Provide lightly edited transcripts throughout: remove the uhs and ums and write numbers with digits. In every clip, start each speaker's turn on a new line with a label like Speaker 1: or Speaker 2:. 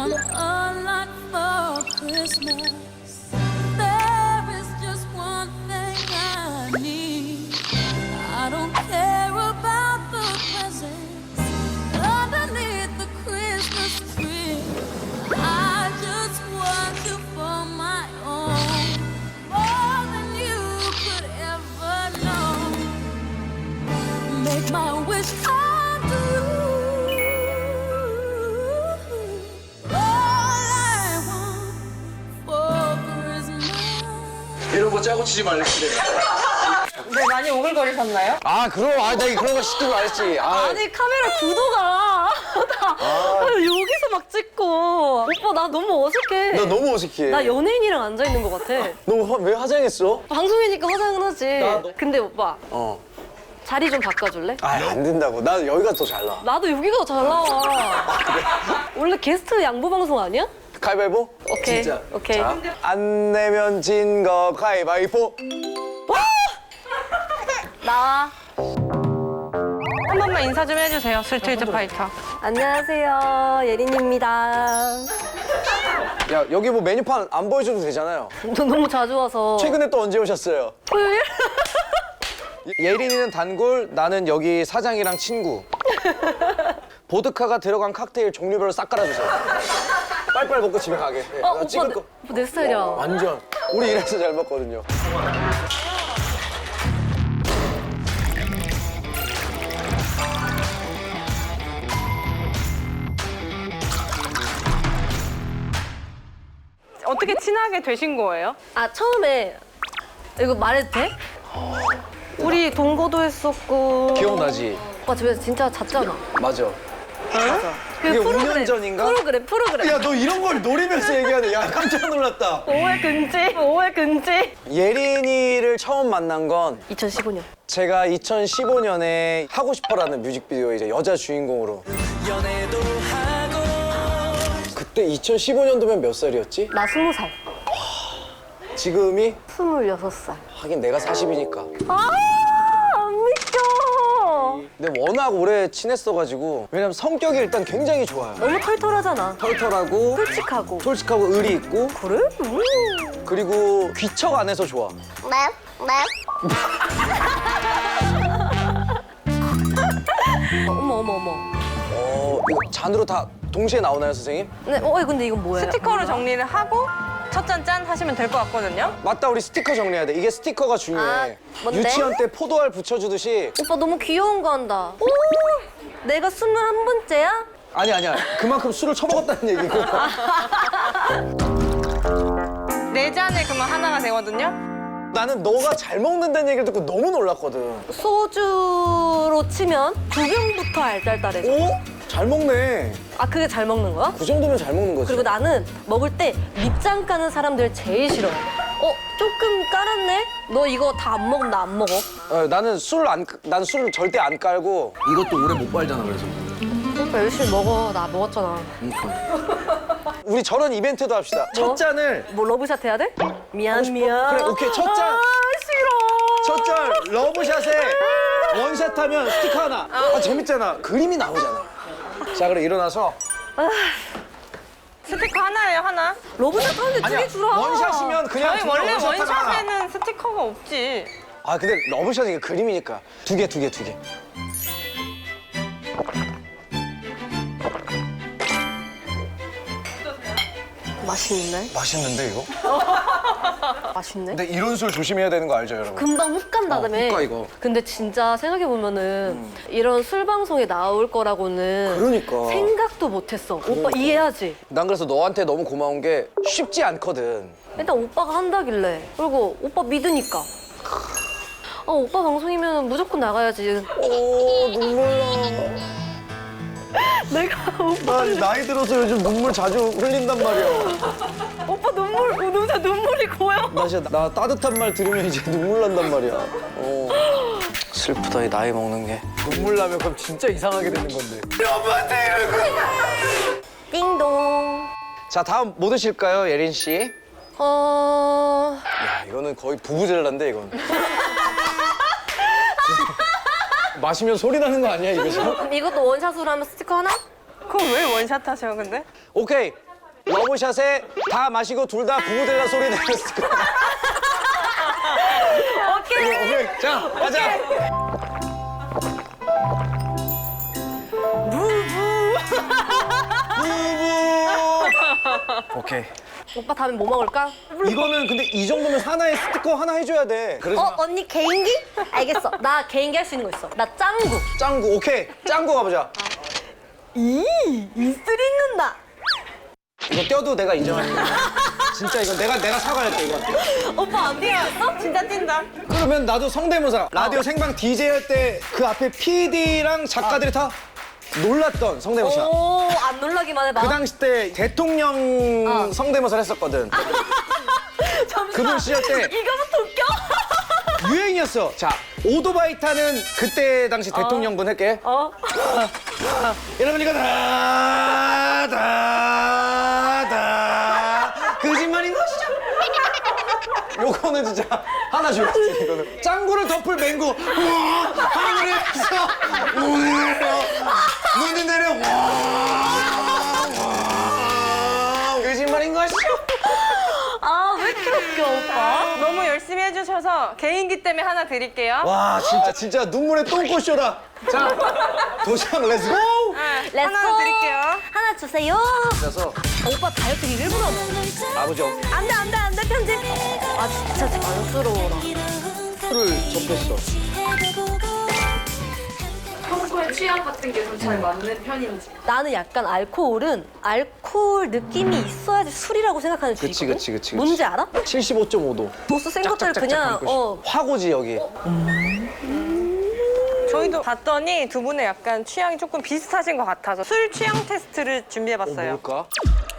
Speaker 1: want a lot for Christmas. There is just one thing I need. I don't care about the presents underneath the Christmas tree. I just want you for my own, more than you could ever know. Make my wish come true.
Speaker 2: 이런 거 짜고 치지 말래 그래.
Speaker 3: 네, 많이 오글거리셨나요?
Speaker 2: 아 그럼 나 그런 거 시키고 안 했지.
Speaker 4: 아니 카메라 구도가 여기서 막 찍고 오빠 나 너무 어색해.
Speaker 2: 나 너무 어색해.
Speaker 4: 나 연예인이랑 앉아 있는 것 같아.
Speaker 2: 너 왜 화장했어?
Speaker 4: 방송이니까 화장은 하지.
Speaker 2: 나도.
Speaker 4: 근데 오빠 자리 좀 바꿔줄래?
Speaker 2: 안 된다고. 나 여기가 더 잘 나와.
Speaker 4: 나도 여기가 더 잘 나와. 원래 게스트 양보 방송 아니야?
Speaker 2: 가위바위보?
Speaker 4: 오케이.
Speaker 2: 진짜.
Speaker 4: 오케이.
Speaker 2: 자, 안 내면 진 거 가위바위보.
Speaker 4: 나와.
Speaker 3: 한 번만 인사 좀 해주세요, 스트리트 파이터.
Speaker 4: 안녕하세요, 예린입니다.
Speaker 2: 야 여기 뭐 메뉴판 안 보여줘도 되잖아요.
Speaker 4: 너 너무 자주 와서.
Speaker 2: 최근에 또 언제 오셨어요?
Speaker 4: 토요일?
Speaker 2: 예린이는 단골, 나는 여기 사장이랑 친구. 보드카가 들어간 칵테일 종류별로 싹 깔아주세요. 빨리빨리 먹고 집에 가게. 네, 나
Speaker 4: 오빠,
Speaker 2: 찍을 거.
Speaker 4: 오빠 내 스타일이야.
Speaker 2: 완전. 우리 이래서 잘 먹거든요.
Speaker 3: 어떻게 친하게 되신 거예요?
Speaker 4: 아 처음에 이거 말해도 돼? 우리 동거도 했었고.
Speaker 2: 기억나지?
Speaker 4: 오빠 집에서 진짜 잤잖아.
Speaker 2: 맞아.
Speaker 4: 그
Speaker 2: 이게
Speaker 4: 프로그램,
Speaker 2: 5년 전인가?
Speaker 4: 프로그램.
Speaker 2: 야, 너 이런 걸 노리면서 얘기하네. 야, 깜짝 놀랐다.
Speaker 4: 5월 금지.
Speaker 2: 예린이를 처음 만난 건
Speaker 4: 2015년.
Speaker 2: 제가 2015년에 하고 싶어라는 뮤직비디오 이제 여자 주인공으로. 그때 2015년도면 몇 살이었지?
Speaker 4: 나 20살.
Speaker 2: 지금이?
Speaker 4: 26살.
Speaker 2: 하긴 내가 40이니까.
Speaker 4: 아, 안 믿겨.
Speaker 2: 근데 워낙 오래 친했어가지고 왜냐면 성격이 일단 굉장히 좋아요.
Speaker 4: 너무 털털하잖아.
Speaker 2: 털털하고 솔직하고 의리 있고
Speaker 4: 그래?
Speaker 2: 그리고 귀척 안 해서 좋아.
Speaker 4: 어머.
Speaker 2: 이거 잔으로 다 동시에 나오나요, 선생님?
Speaker 4: 네, 근데 이건 뭐예요?
Speaker 3: 스티커로 정리를 하고 첫 잔 짠 하시면 될 것 같거든요.
Speaker 2: 맞다, 우리 스티커 정리해야 돼. 이게 스티커가 중요해.
Speaker 4: 아, 뭔데?
Speaker 2: 유치원 때 포도알 붙여주듯이.
Speaker 4: 오빠 너무 귀여운 거 한다. 오, 내가 21번째야?
Speaker 2: 아니야. 그만큼 술을 처먹었다는 얘기고.
Speaker 3: 네 잔에 그러면 하나가 되거든요.
Speaker 2: 나는 너가 잘 먹는다는 얘기를 듣고 너무 놀랐거든.
Speaker 4: 소주로 치면 2병부터 알딸딸해져.
Speaker 2: 오? 잘 먹네.
Speaker 4: 아, 그게 잘 먹는 거야?
Speaker 2: 그 정도면 잘 먹는 거지.
Speaker 4: 그리고 나는 먹을 때 밑장 까는 사람들 제일 싫어. 조금 깔았네? 너 이거 다 안 먹으면 나 안 먹어.
Speaker 2: 나는 난 술을 절대 안 깔고. 이것도 오래 못 빨잖아, 그래서.
Speaker 4: 오빠 열심히 먹어. 나 먹었잖아.
Speaker 2: 우리 저런 이벤트도 합시다.
Speaker 4: 뭐?
Speaker 2: 첫 잔을.
Speaker 4: 뭐 러브샷 해야 돼? 미안.
Speaker 2: 그래, 오케이. 첫 잔.
Speaker 4: 아, 싫어.
Speaker 2: 첫 잔 러브샷에 원샷 하면 스티커 하나. 재밌잖아. 그림이 나오잖아. 자, 그럼 일어나서.
Speaker 3: 스티커 하나예요, 하나.
Speaker 4: 러브샷 하는데 두 개 주라.
Speaker 2: 원샷이면 그냥
Speaker 3: 저희
Speaker 2: 두 개
Speaker 3: 원래
Speaker 2: 원샷 하나.
Speaker 3: 원샷에는 스티커가 없지.
Speaker 2: 근데 러브샷이 이게 그림이니까. 두 개.
Speaker 4: 맛있네.
Speaker 2: 맛있는데, 이거?
Speaker 4: 맛있네.
Speaker 2: 근데 이런 술 조심해야 되는 거 알죠, 여러분?
Speaker 4: 금방 훅 간다며.
Speaker 2: 훅 가, 이거.
Speaker 4: 근데 진짜 생각해보면은 이런 술 방송에 나올 거라고는
Speaker 2: 그러니까.
Speaker 4: 생각도 못했어. 오빠 이해하지?
Speaker 2: 난 그래서 너한테 너무 고마운 게 쉽지 않거든.
Speaker 4: 일단 오빠가 한다길래. 그리고 오빠 믿으니까. 오빠 방송이면 무조건 나가야지.
Speaker 2: 눈물 나.
Speaker 4: 내가 오빠,
Speaker 2: 나 나이 들어서 요즘 눈물 자주 흘린단 말이야.
Speaker 4: 오빠 눈물이 고여.
Speaker 2: 나 따뜻한 말 들으면 이제 눈물 난단 말이야. 슬프다, 이 나이 먹는 게. 눈물 나면 그럼 진짜 이상하게 되는 건데. 여보한테 이러고.
Speaker 4: 띵동.
Speaker 2: 자, 다음 뭐 드실까요, 예린 씨? 야, 이거는 거의 부부젤라인데, 이건. 마시면 소리 나는 거 아니야, 이거 지금?
Speaker 4: 이것도 원샷으로 하면 스티커 하나?
Speaker 3: 그럼 왜 원샷 하셔, 근데?
Speaker 2: 오케이. 러브샷에 다 마시고 둘 다 부부델라 소리 내렸을 거야. 오케이. 자, 가자. 부부. 오케이.
Speaker 4: 오빠 다음에 뭐 먹을까?
Speaker 2: 이거는 근데 이 정도면 하나의 스티커 하나 해줘야 돼. 그래서
Speaker 4: 언니 개인기? 알겠어. 나 개인기 할 수 있는 거 있어. 나 짱구.
Speaker 2: 짱구, 오케이. 짱구 가보자.
Speaker 4: 이슬 있는다.
Speaker 2: 이거 떼어도 내가 인정할게. 진짜 이건 내가 사과할게, 이거.
Speaker 4: 오빠 안 뛰었어? 진짜 뛴다.
Speaker 2: 그러면 나도 성대모사. 라디오 생방 DJ 할 때 그 앞에 PD랑 작가들이 다 놀랐던 성대모사.
Speaker 4: 오, 안 놀라기만 해봐.
Speaker 2: 그 당시 때 대통령 성대모사를 했었거든.
Speaker 4: 잠시만.
Speaker 2: 그분 시절 때
Speaker 4: 이거부터 웃겨?
Speaker 2: 유행이었어. 자, 오토바이 타는 그때 당시 대통령분 할게. 여러분 이거 거짓말인 것이죠? 요거는 진짜 하나 줘야지, 이거는. 짱구를 덮을 맹구. 우와, 하늘에서 눈이 내려. 거짓말인 것이죠?
Speaker 4: 아, 왜 이렇게 웃겨, 오빠?
Speaker 3: 너무 열심히 해주셔서 개인기 때문에 하나 드릴게요.
Speaker 2: 와, 진짜 눈물에 똥꼬쇼라. 자, 도시락 렛츠고!
Speaker 3: 네, 하나 드릴게요.
Speaker 4: 하나 주세요.
Speaker 2: 그래서
Speaker 4: 오빠 다이어트 일부러 하네.
Speaker 2: 아버지
Speaker 4: 안 돼, 편집. 아, 진짜 자연스러워라.
Speaker 2: 술을 접했어.
Speaker 3: 평소에 취향 같은 게 좀 잘 맞는 편인지.
Speaker 4: 나는 약간 알코올은 알코올 느낌이 있어야지 술이라고 생각하는 주의거든?
Speaker 2: 그치.
Speaker 4: 뭔지 알아?
Speaker 2: 75.5도.
Speaker 4: 도수 센 것들 그냥
Speaker 2: 화고지, 여기.
Speaker 3: 저희도 봤더니 두 분의 약간 취향이 조금 비슷하신 것 같아서 술 취향 테스트를 준비해봤어요.
Speaker 2: 뭘까?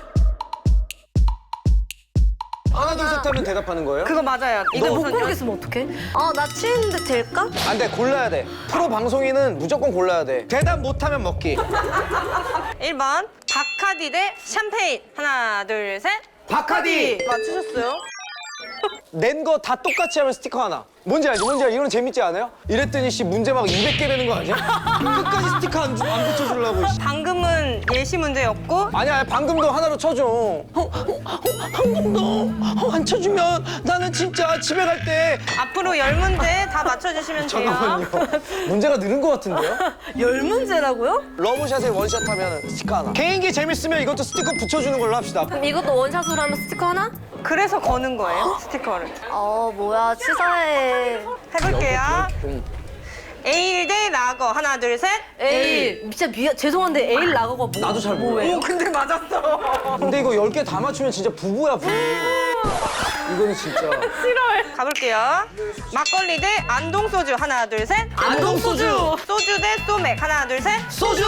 Speaker 2: 하나, 둘, 셋 하면 대답하는 거예요?
Speaker 3: 그거 맞아요.
Speaker 4: 근데 못
Speaker 3: 우선
Speaker 4: 고르겠으면 어떡해? 아, 나 취했는데 될까?
Speaker 2: 안 돼, 골라야 돼. 프로 방송인은 무조건 골라야 돼. 대답 못하면 먹기.
Speaker 3: 1번 바카디 대 샴페인. 하나, 둘, 셋.
Speaker 2: 바카디!
Speaker 3: 맞추셨어요?
Speaker 2: 낸 거 다 똑같이 하면 스티커 하나. 뭔지 알지? 이거는 재밌지 않아요? 이랬더니 씨 문제 막 200개 되는 거 아니야? 끝까지 스티커 안 붙여주려고. 씨.
Speaker 3: 방금은 예시 문제였고
Speaker 2: 아니야, 방금도 하나로 쳐줘. 방금도 안 쳐주면 나는 진짜 집에 갈 때.
Speaker 3: 앞으로 10문제 다 맞춰주시면 돼요.
Speaker 2: 잠깐만요. 문제가 늘은 것 같은데요?
Speaker 4: 10문제라고요?
Speaker 2: 러브샷에 원샷 하면 스티커 하나. 개인기 재밌으면 이것도 스티커 붙여주는 걸로 합시다.
Speaker 4: 그럼 이것도 원샷으로 하면 스티커 하나?
Speaker 3: 그래서 거는 거예요, 스티커를.
Speaker 4: 뭐야, 치사해.
Speaker 3: 해볼게요. 에일 대 라거. 하나, 둘, 셋.
Speaker 4: 에일. 진짜 죄송한데 에일 라거가
Speaker 2: 나도 잘 몰라.
Speaker 3: 오, 근데 맞았어.
Speaker 2: 근데 이거 10개 다 맞추면 진짜 부부야, 부부. 이거는 진짜.
Speaker 3: 싫어해. 가볼게요. 막걸리 대 안동 소주. 하나, 둘, 셋.
Speaker 2: 안동 소주.
Speaker 3: 소주 대 소맥. 하나, 둘, 셋.
Speaker 2: 소주!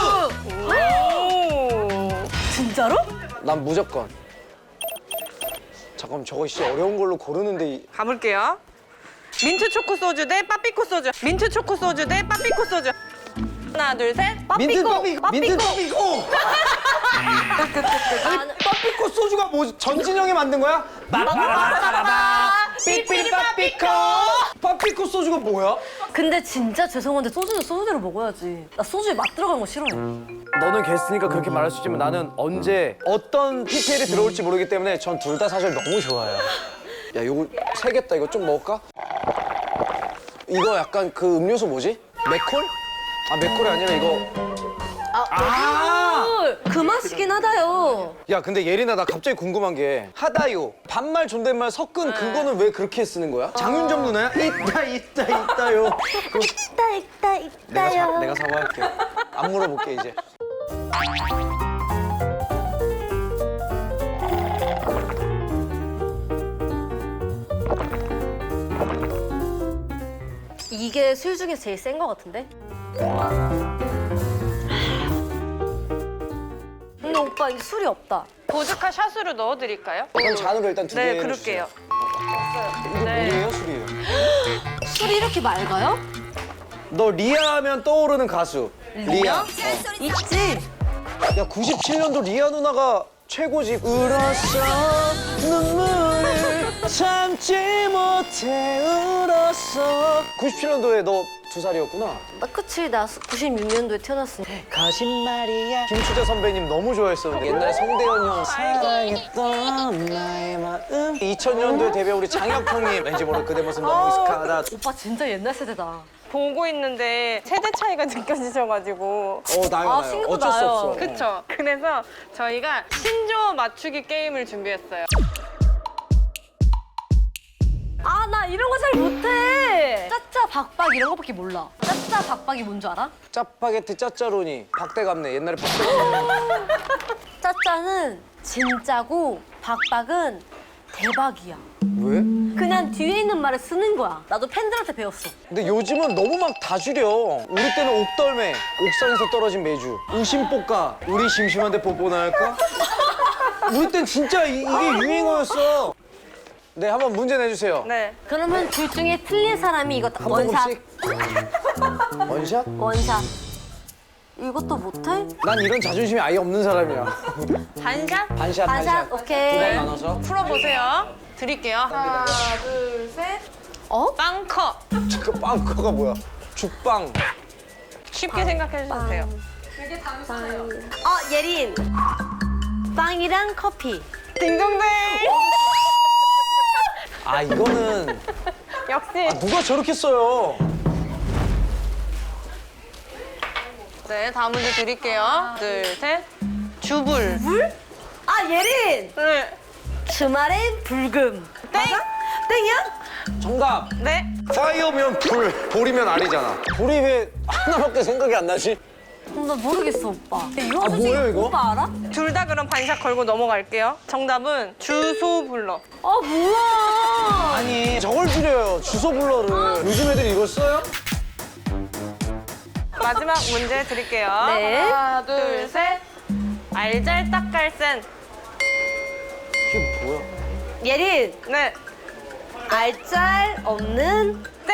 Speaker 3: 오.
Speaker 4: 진짜로?
Speaker 2: 난 무조건. 잠깐만, 저거 씨 어려운 걸로 고르는데.
Speaker 3: 가볼게요. 민트 초코 소주 대 빠삐코 소주. 민트 초코 소주 대 빠삐코 소주. 하나, 둘, 셋.
Speaker 2: 민트
Speaker 4: 빠삐꼬.
Speaker 2: 빠삐꼬! 아니, 빠삐꼬 소주가 뭐지? 전진영이 만든 거야? 빠빠라바라바 삐삐리 빠삐꼬! 빠삐꼬 소주가 뭐야?
Speaker 4: 근데 진짜 죄송한데 소주는 소주대로 먹어야지. 나 소주에 맛 들어가는 거 싫어해.
Speaker 2: 너는 게스트니까 그렇게 말할 수 있지만 나는 언제 어떤 PPL이 들어올지 모르기 때문에 전 둘 다 사실 너무 좋아요. 야, 요거 세겠다. 이거 좀 먹을까? 이거 약간 그 음료수 뭐지? 맥콜? 아, 맥콜이 아니라 이거.
Speaker 4: 그 맛이긴 하다요.
Speaker 2: 야, 근데 예린아, 나 갑자기 궁금한 게 하다요, 반말 존댓말 섞은 그거는 왜 그렇게 쓰는 거야? 장윤정 누나야? 있다요.
Speaker 4: 있다요.
Speaker 2: 내가 사과할게. 안 물어볼게 이제.
Speaker 4: 이게 술 중에서 제일 센 거 같은데? 근데 오빠 이게 술이 없다.
Speaker 3: 보드카 샷으로 넣어드릴까요?
Speaker 2: 그럼 잔으로 일단 2개
Speaker 3: 네,
Speaker 2: 해주세요.
Speaker 3: 그럴게요.
Speaker 2: 이거
Speaker 3: 네.
Speaker 2: 물이에요, 술이에요?
Speaker 4: 술이 이렇게 맑아요?
Speaker 2: 너 리아 하면 떠오르는 가수. 리아.
Speaker 4: 있지.
Speaker 2: 야, 97년도 리아 누나가 최고지. 울었어 눈물을 참지 못해 울었어. 97년도에 너 2살이었구나.
Speaker 4: 나 그치, 나 96년도에 태어났으니까.
Speaker 2: 거짓말이야. 김추자 선배님 너무 좋아했었는데 옛날 성대현 형 사랑했던 나의 마음. 2000년도에 데뷔한 우리 장혁 형님 왠지 모를 그대 모습 너무 익숙하다.
Speaker 4: 오빠 진짜 옛날 세대다.
Speaker 3: 보고 있는데 세대 차이가 느껴지셔가지고.
Speaker 2: 나요.
Speaker 4: 아, 친구도
Speaker 2: 어쩔 수
Speaker 4: 나요.
Speaker 2: 없어.
Speaker 3: 그쵸? 그래서 저희가 신조어 맞추기 게임을 준비했어요.
Speaker 4: 아, 나 이런 거 잘 못해. 짜짜 박박 이런 거밖에 몰라. 짜짜 박박이 뭔 줄 알아?
Speaker 2: 짜파게티 짜짜로니 박대감네. 옛날에 박대감.
Speaker 4: 짜짜는 진짜고 박박은 대박이야.
Speaker 2: 왜?
Speaker 4: 그냥 뒤에 있는 말을 쓰는 거야. 나도 팬들한테 배웠어.
Speaker 2: 근데 요즘은 너무 막 다 줄여. 우리 때는 옥덜매, 옥상에서 떨어진 메주, 우심뽀까, 우리 심심한데 뽀뽀나 할까? 우리 땐 진짜 이게 유행어였어. 네, 한번 문제 내주세요.
Speaker 3: 네.
Speaker 4: 그러면 둘 중에 틀린 사람이 이거
Speaker 2: 한
Speaker 4: 원샷.
Speaker 2: 번씩. 원샷?
Speaker 4: 원샷. 이것도 못해?
Speaker 2: 난 이런 자존심이 아예 없는 사람이야.
Speaker 3: 반샷?
Speaker 2: 반샷,
Speaker 4: 반샷, 오케이.
Speaker 2: 두 번 나눠서.
Speaker 3: 풀어보세요. 드릴게요. 하나, 둘, 셋.
Speaker 4: 어?
Speaker 3: 빵커.
Speaker 2: 그 빵커가 뭐야? 죽빵.
Speaker 3: 쉽게 생각해 주세요.
Speaker 4: 예린. 빵이랑 커피.
Speaker 3: 딩동댕.
Speaker 2: 아, 이거는
Speaker 3: 역시.
Speaker 2: 누가 저렇게 써요?
Speaker 3: 네, 다음 문제 드릴게요. 둘, 셋. 주불.
Speaker 4: 예린.
Speaker 3: 네.
Speaker 4: 주말엔 불금.
Speaker 3: 땡.
Speaker 4: 땡이야?
Speaker 2: 정답.
Speaker 3: 네.
Speaker 2: 파이어면 불, 불이면 알이잖아. 불이 왜 하나밖에 생각이 안 나지?
Speaker 4: 나 모르겠어, 오빠. 이거
Speaker 2: 아,
Speaker 4: 솔직히
Speaker 2: 뭐예요, 이거?
Speaker 4: 오빠 알아?
Speaker 3: 둘 다 그럼 반샷 걸고 넘어갈게요. 정답은 주소불러.
Speaker 4: 뭐야?
Speaker 2: 아니, 저걸 줄여요. 주소 불러를. 요즘 애들이 이걸 써요?
Speaker 3: 마지막 문제 드릴게요.
Speaker 4: 네.
Speaker 3: 하나, 둘, 셋. 알잘딱깔센.
Speaker 2: 이게 뭐야?
Speaker 4: 예린.
Speaker 3: 네.
Speaker 4: 알짤 없는
Speaker 3: 땡.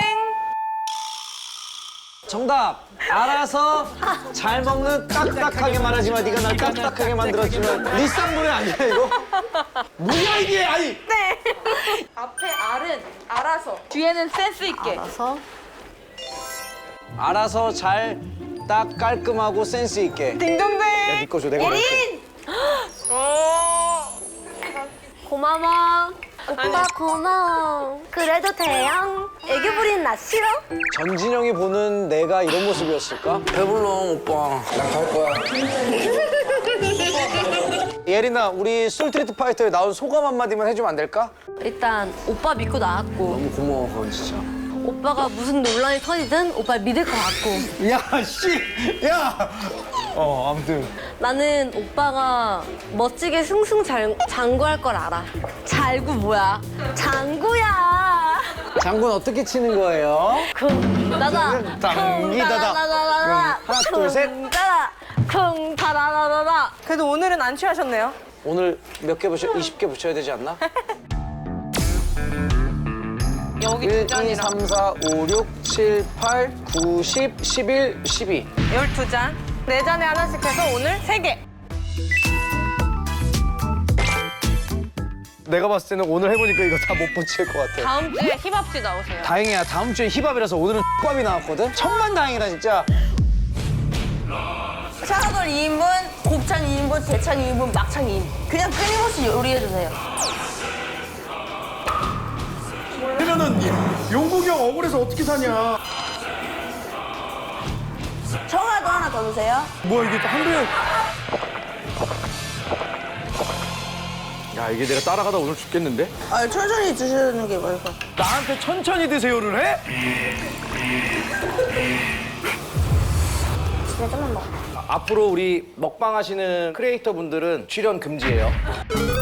Speaker 2: 정답. 알아서 잘 먹는 딱딱하게 말하지만 네가 날 딱딱하게 만들었지만 네 쌍문이 아니야 이거? 뭐야 이게? 아니.
Speaker 3: 네. 앞에 R은 알아서. 뒤에는 센스 있게.
Speaker 4: 알아서.
Speaker 2: 알아서 잘 딱 깔끔하고 센스 있게.
Speaker 3: 딩동댕.
Speaker 2: 야, 네 거줘 내가 말할게.
Speaker 4: 예린.
Speaker 3: 오.
Speaker 4: 고마워. 오빠 고마워. 그래도 대형. 애교 부리는 나 싫어?
Speaker 2: 전진영이 보는 내가 이런 모습이었을까? 배불러 오빠. 난 갈 거야. 예린아, 우리 술트리트 파이터에 나온 소감 한마디만 해주면 안 될까?
Speaker 4: 일단 오빠 믿고 나왔고
Speaker 2: 너무 고마워, 그건 진짜.
Speaker 4: 오빠가 무슨 논란이 터지든 오빠 믿을 것 같고
Speaker 2: 야, 씨! 야! 아무튼.
Speaker 4: 나는 오빠가 멋지게 승승장구할 걸 알아. 잘구 뭐야? 장구야.
Speaker 2: 장군 어떻게 치는 거예요?
Speaker 4: 쿵따다
Speaker 2: 당기다다. 하나, 둘, 셋.
Speaker 4: 쿵따다 쿵따다다다다.
Speaker 3: 그래도 오늘은 안 취하셨네요.
Speaker 2: 오늘 몇 개 붙여? 20개 붙여야 되지 않나?
Speaker 3: 여기
Speaker 2: 1, 2,
Speaker 3: 2잔이랑
Speaker 2: 3, 4, 5, 6, 7, 8, 9, 10, 11, 12.
Speaker 3: 12잔. 4잔에 하나씩 해서 오늘 3개.
Speaker 2: 내가 봤을 때는 오늘 해보니까 이거 다 못 붙일 것 같아.
Speaker 3: 다음 주에 힙합지 나오세요.
Speaker 2: 다행이야. 다음 주에 힙합이라서 오늘은 X밥이 나왔거든? 천만다행이다, 진짜.
Speaker 5: 샤브를 2인분, 곱창 2인분, 대창 2인분, 막창 2인분. 그냥 끊임없이 요리해주세요.
Speaker 6: 그러면은 용국이 형 억울해서 어떻게 사냐?
Speaker 5: 청아도 하나 더 주세요.
Speaker 6: 뭐야 이게 또 한도영. 야 이게 내가 따라가다 오늘 죽겠는데?
Speaker 5: 아, 천천히 드시는 게 맞을 것 같아요.
Speaker 6: 나한테 천천히 드세요를 해?
Speaker 5: 진짜 좀만 먹어.
Speaker 2: 앞으로 우리 먹방 하시는 크리에이터 분들은 출연 금지예요.